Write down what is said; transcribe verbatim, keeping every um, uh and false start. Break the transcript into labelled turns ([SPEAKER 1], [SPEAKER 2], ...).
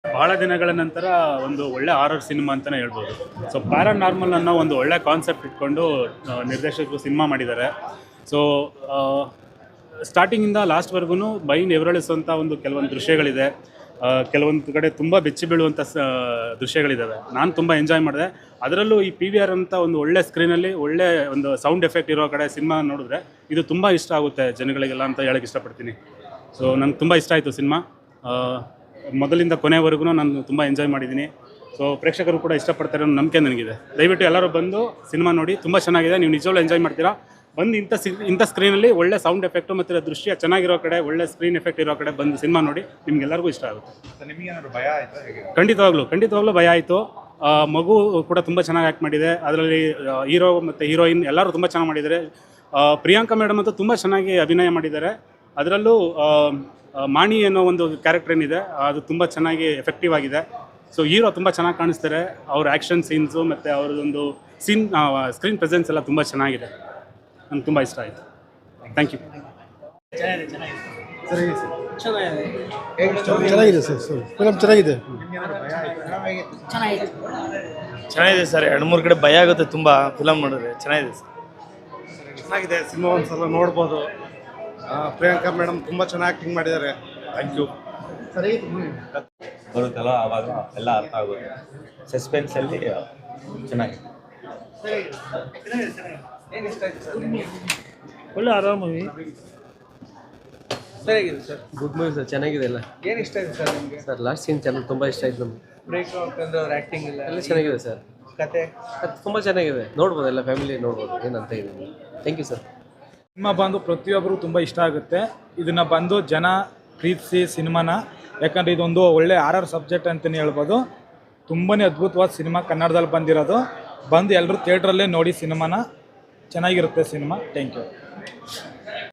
[SPEAKER 1] ಬಹಳ ದಿನಗಳ ನಂತರ ಒಂದು ಒಳ್ಳೆ ಹಾರರ್ ಸಿನಿಮಾ ಅಂತಲೇ ಹೇಳ್ಬೋದು. ಸೊ ಪ್ಯಾರಾನಾರ್ಮಲ್ ಅನ್ನೋ ಒಂದು ಒಳ್ಳೆ ಕಾನ್ಸೆಪ್ಟ್ ಇಟ್ಕೊಂಡು ಆ, ನಿರ್ದೇಶಕರು ಸಿನಿಮಾ ಮಾಡಿದ್ದಾರೆ. ಸೊ ಸ್ಟಾರ್ಟಿಂಗಿಂದ ಲಾಸ್ಟ್ವರೆಗೂ ಬೈನ್ ಎವರಳಿಸುವಂಥ ಒಂದು ಕೆಲವೊಂದು ದೃಶ್ಯಗಳಿದೆ. ಆ, ಕೆಲವೊಂದು ಕಡೆ ತುಂಬ ಬೆಚ್ಚಿ ಬೀಳುವಂಥ ಸ ದೃಶ್ಯಗಳಿದ್ದಾವೆ. ನಾನು ತುಂಬ ಎಂಜಾಯ್ ಮಾಡಿದೆ. ಅದರಲ್ಲೂ ಈ ಪಿ ವಿ ಆರ್ ಅಂತ ಒಂದು ಒಳ್ಳೆ ಸ್ಕ್ರೀನಲ್ಲಿ ಒಳ್ಳೆ ಒಂದು ಸೌಂಡ್ ಎಫೆಕ್ಟ್ ಇರೋ ಕಡೆ ಸಿನಿಮಾ ನೋಡಿದ್ರೆ ಇದು ತುಂಬ ಇಷ್ಟ ಆಗುತ್ತೆ ಜನಗಳಿಗೆಲ್ಲ ಅಂತ ಹೇಳಕ್ಕೆ ಇಷ್ಟಪಡ್ತೀನಿ. ಸೊ ನನಗೆ ತುಂಬ ಇಷ್ಟ ಆಯಿತು ಸಿನಿಮಾ. ಮೊದಲಿಂದ ಕೊನೆವರೆಗೂ ನಾನು ತುಂಬ ಎಂಜಾಯ್ ಮಾಡಿದ್ದೀನಿ. ಸೊ ಪ್ರೇಕ್ಷಕರು ಕೂಡ ಇಷ್ಟಪಡ್ತಾರೆ ಅನ್ನೋ ನಂಬಿಕೆ ನನಗಿದೆ. ದಯವಿಟ್ಟು ಎಲ್ಲರೂ ಬಂದು ಸಿನಿಮಾ ನೋಡಿ, ತುಂಬ ಚೆನ್ನಾಗಿದೆ. ನೀವು ನಿಜವಾಗ್ಲೂ ಎಂಜಾಯ್ ಮಾಡ್ತೀರಾ. ಬಂದು ಇಂಥ ಸಿ ಇಂಥ ಸ್ಕ್ರೀನಲ್ಲಿ ಒಳ್ಳೆ ಸೌಂಡ್ ಎಫೆಕ್ಟು ಮತ್ತು ದೃಶ್ಯ ಚೆನ್ನಾಗಿರೋ ಕಡೆ, ಒಳ್ಳೆ ಸ್ಕ್ರೀನ್ ಎಫೆಕ್ಟ್ ಇರೋ ಕಡೆ ಬಂದು ಸಿನಿಮಾ ನೋಡಿ, ನಿಮ್ಗೆಲ್ಲರಿಗೂ ಇಷ್ಟ ಆಗುತ್ತೆ.
[SPEAKER 2] ನಿಮಗೇನಾದ್ರು ಭಯ ಆಯ್ತಾ ಹೇಗೆ?
[SPEAKER 1] ಖಂಡಿತವಾಗ್ಲೂ ಖಂಡಿತವಾಗ್ಲೂ ಭಯ ಆಯಿತು. ಮಗು ಕೂಡ ತುಂಬ ಚೆನ್ನಾಗಿ ಆ್ಯಕ್ಟ್ ಮಾಡಿದೆ. ಅದರಲ್ಲಿ ಹೀರೋ ಮತ್ತು ಹೀರೋಯಿನ್ ಎಲ್ಲರೂ ತುಂಬ ಚೆನ್ನಾಗಿ ಮಾಡಿದ್ದಾರೆ. ಆ, ಪ್ರಿಯಾಂಕಾ ಮೇಡಮ್ ಅಂತೂ ತುಂಬ ಚೆನ್ನಾಗಿ ಅಭಿನಯ ಮಾಡಿದ್ದಾರೆ. ಅದರಲ್ಲೂ ಆ, ಆ, ಮಾಣಿ ಅನ್ನೋ ಒಂದು ಕ್ಯಾರೆಕ್ಟರ್ ಏನಿದೆ ಅದು ತುಂಬ ಚೆನ್ನಾಗಿ ಎಫೆಕ್ಟಿವ್ ಆಗಿದೆ. ಸೊ ಹೀರೋ ತುಂಬ ಚೆನ್ನಾಗಿ ಕಾಣಿಸ್ತಾರೆ. ಅವ್ರ ಆ್ಯಕ್ಷನ್ ಸೀನ್ಸು ಮತ್ತು ಅವ್ರದ್ದೊಂದು ಸೀನ್ ಸ್ಕ್ರೀನ್ ಪ್ರೆಸೆನ್ಸ್ ಎಲ್ಲ ತುಂಬ ಚೆನ್ನಾಗಿದೆ. ನನಗೆ ತುಂಬ ಇಷ್ಟ ಆಯಿತು. Thank you.
[SPEAKER 3] ಚೆನ್ನಾಗಿದೆ ಸರ್ ಸರ್ ಫಿಲಮ್ ಚೆನ್ನಾಗಿದೆ.
[SPEAKER 4] ಚೆನ್ನಾಗಿದೆ ಸರ್. ಎರಡು ಮೂರು ಕಡೆ ಭಯ ಆಗುತ್ತೆ ತುಂಬ ಫಿಲಮ್ ನೋಡಿದ್ರೆ. ಚೆನ್ನಾಗಿದೆ ಸರ್.
[SPEAKER 3] ಚೆನ್ನಾಗಿದೆ ಸಿನಿಮಾ, ಒಂದ್ಸಲ ನೋಡ್ಬೋದು. ಆ, ಪ್ರಿಯಾಂಕಾ ಮೇಡಮ್ ತುಂಬ ಚೆನ್ನಾಗಿ ಆ್ಯಕ್ಟಿಂಗ್ ಮಾಡಿದ್ದಾರೆ. Thank you.
[SPEAKER 5] ಬರುತ್ತಲ್ಲ ಆವಾಗ ಎಲ್ಲ ಅರ್ಥ ಆಗುತ್ತೆ. ಸಸ್ಪೆನ್ಸಲ್ಲಿ ಚೆನ್ನಾಗಿದೆ.
[SPEAKER 4] ಒಳ್ಳೆ ಆರಾಮ ಮೂವಿ.
[SPEAKER 6] ಸರಿಯಾಗಿದೆ ಸರ್.
[SPEAKER 7] ಗುಡ್ ಮೂವಿ ಸರ್, ಚೆನ್ನಾಗಿದೆ ಎಲ್ಲ.
[SPEAKER 6] ಏನು ಇಷ್ಟ ಆಯ್ತು ಸರ್ ನಿಮಗೆ?
[SPEAKER 7] ಸರ್ ಲಾಸ್ಟ್ ಸೀನ್ ಚೆನ್ನಾಗಿ ತುಂಬ ಇಷ್ಟ ಆಯ್ತು ನಮಗೆ.
[SPEAKER 6] ಬ್ರೇಕ್ ಅಂತಂದ್ರೆ ಅವ್ರ ಆ್ಯಕ್ಟಿಂಗ್ ಇಲ್ಲ
[SPEAKER 7] ಎಲ್ಲ ಚೆನ್ನಾಗಿದೆ ಸರ್.
[SPEAKER 6] ಕತೆ
[SPEAKER 7] ಅದು ತುಂಬ ಚೆನ್ನಾಗಿದೆ, ನೋಡ್ಬೋದು, ಎಲ್ಲ ಫ್ಯಾಮಿಲಿ ನೋಡ್ಬೋದು. ಏನಂತ ಇದೆ. Thank you sir.
[SPEAKER 8] ಸಿನಿಮಾ ಬಂದು ಪ್ರತಿಯೊಬ್ಬರು ತುಂಬ ಇಷ್ಟ ಆಗುತ್ತೆ. ಇದನ್ನು ಬಂದು ಜನ ಪ್ರೀತಿಸಿ ಸಿನಿಮಾನ, ಯಾಕಂದರೆ ಇದೊಂದು ಒಳ್ಳೆ ಆರ್ ಸಬ್ಜೆಕ್ಟ್ ಅಂತಲೇ ಹೇಳ್ಬೋದು. ತುಂಬಾ ಅದ್ಭುತವಾದ ಸಿನಿಮಾ ಕನ್ನಡದಲ್ಲಿ ಬಂದಿರೋದು. ಬಂದು ಎಲ್ಲರೂ ಥಿಯೇಟ್ರಲ್ಲೇ ನೋಡಿ ಸಿನಿಮಾನ. ಚೆನ್ನಾಗಿರುತ್ತೆ ಸಿನಿಮಾ. Thank you.